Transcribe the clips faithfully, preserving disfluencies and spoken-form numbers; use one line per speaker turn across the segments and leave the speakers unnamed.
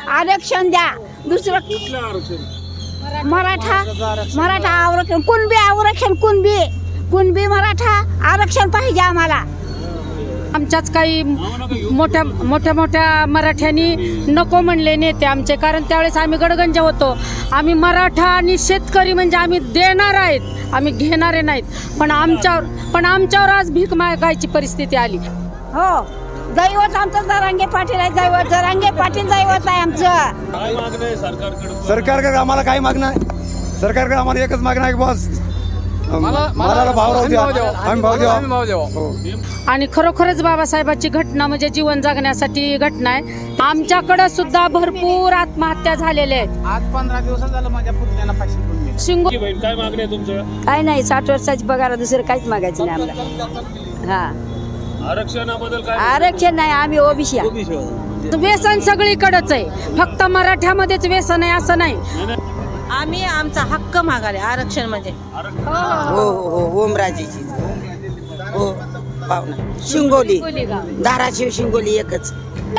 आरक्षण द्या. दुसरं
कुठलं आरक्षण?
मराठा मराठा आरक्षण, कुणबी आरक्षण, कुणबी कुणबी मराठा आरक्षण पाहिजे आम्हाला.
आमच्याच काही मोठ्या मोठ्या मोठ्या मराठ्यांनी नको म्हणले नेते आमचे, कारण त्यावेळेस आम्ही गडगंज होतो. आम्ही मराठा आणि शेतकरी म्हणजे आम्ही देणार आहेत, आम्ही घेणारे नाहीत. पण आमच्यावर पण आमच्यावर आज भीक मागायची परिस्थिती आली.
हो, दैवत आमचं जरांगे पाटील आहे. दैवत जरांगे पाटील दैवत आहे आमचं.
काय मागणं आहे सरकारकडे?
सरकारकडे आम्हाला काय मागणं आहे? सरकारकडे आम्हाला एकच मागणं आहे, बॉस मला भाव राहू द्या, आम्ही भाव द्या.
आणि खरोखरच बाबासाहेबाची घटना म्हणजे जीवन जगण्यासाठी घटना आहे. आमच्याकडे सुद्धा भरपूर आत्महत्या झालेल्या आहेत.
आज पंधरा दिवस झालं माझ्या पुतण्याला फाशी पडली.
शिंगो
की बहीण काय मागणी आहे तुमचं?
काय नाही, साठ वर्षाची पगार, दुसरं काहीच मागायचं नाही आम्हाला. हा,
आरक्षणाबद्दल काय?
आरक्षण नाही, आम्ही ओबीसी.
व्यसन सगळीकडेच आहे, फक्त मराठ्यामध्येच व्यसन आहे असं नाही.
आम्ही आमचा हक्क मागाले आरक्षण म्हणजे.
हो हो हो ओमराजेची हो पाहुणा शिंगोली धाराशिव शिंगोली एकच.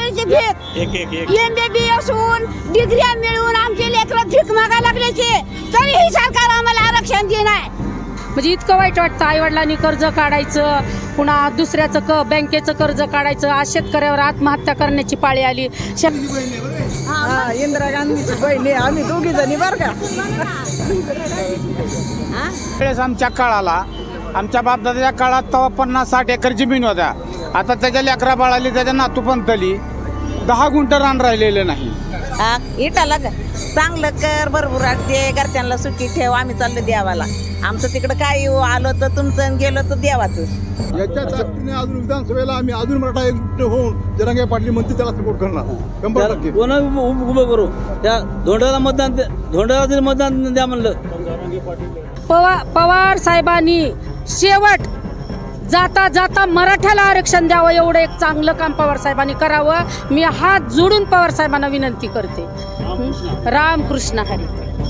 एमबीबीएस होऊन डिग्र्या मिळवून आमचे लेकरं भीक मागा लागल्याचे, तरीही सरकार आम्हाला आरक्षण देणार.
म्हणजे इतकं वाईट वाटतं. आईवडिलांनी कर्ज काढायचं, पुन्हा दुसऱ्याचं क बँकेचं कर्ज काढायचं, आज शेतकऱ्यावर आत्महत्या करण्याची पाळी आली.
इंदिरा गांधीची बहिणी आम्ही दोघी जणी बर का.
वेळेस आमच्या काळाला आमच्या बापदादाच्या काळात तेव्हा पन्नास साठ एकर जमीन होत्या. आता त्याच्या लेकरा बाळाली, त्याच्या नातू पंतली दहा गुंठ रान राहिलेलं नाही.
हा, इटाला ग- चांगलं कर, भरपूर दे, घरच्यांना सुट्टी ठेव, आम्ही चाललो देवाला. आमचं तिकडं काय येऊ, आलो तर तुमचं, गेलो तर देवाचं.
याच्या ताकदीने अजून विधानसभेला आम्ही अजून मराठा एकजुट होऊन जरांगे पाटील म्हणते त्याला सपोर्ट करणार शंभर टक्के.
कोणा उभं करू त्या धोंड्याला मतदान धोंड्याला जरी मतदान द्या म्हणलं.
पवार पवार साहेबांनी शेवट जाता जाता मराठ्याला आरक्षण द्यावं, एवढं एक चांगलं काम पवार साहेबांनी करावं. मी हात जोडून पवार साहेबांना विनंती करते. रामकृष्ण हरी.